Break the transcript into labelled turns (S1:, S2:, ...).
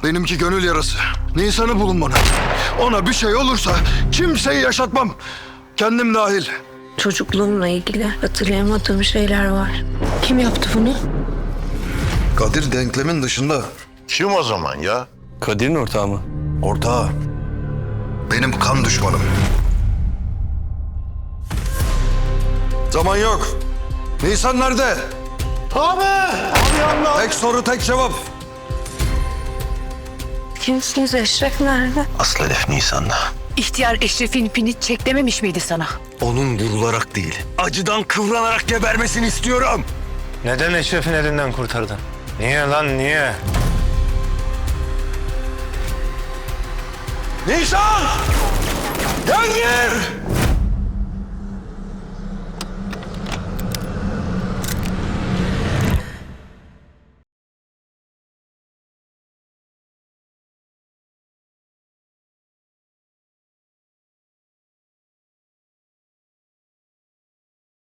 S1: benimki gönül yarası. Nisan'ı bulun bana. Ona bir şey olursa kimseyi yaşatmam. Kendim dahil.
S2: Çocukluğumla ilgili hatırlayamadığım şeyler var. Kim yaptı bunu?
S1: Kadir denklemin dışında.
S3: Kim o zaman ya?
S4: Kadir'in ortağı mı?
S1: Ortağı. Benim kan düşmanım. Zaman yok. Nisan nerede? Abi yanına. Tek soru tek cevap.
S2: Kimsiniz? Eşref nerede?
S3: Aslı hedef Nisan'da.
S5: İhtiyar Eşref'in ipini çeklememiş miydi sana?
S4: Onun vurularak değil, acıdan kıvranarak gebermesini istiyorum.
S6: Neden Eşref'in elinden kurtardın? Niye lan niye?
S1: Nisan! Gel gir!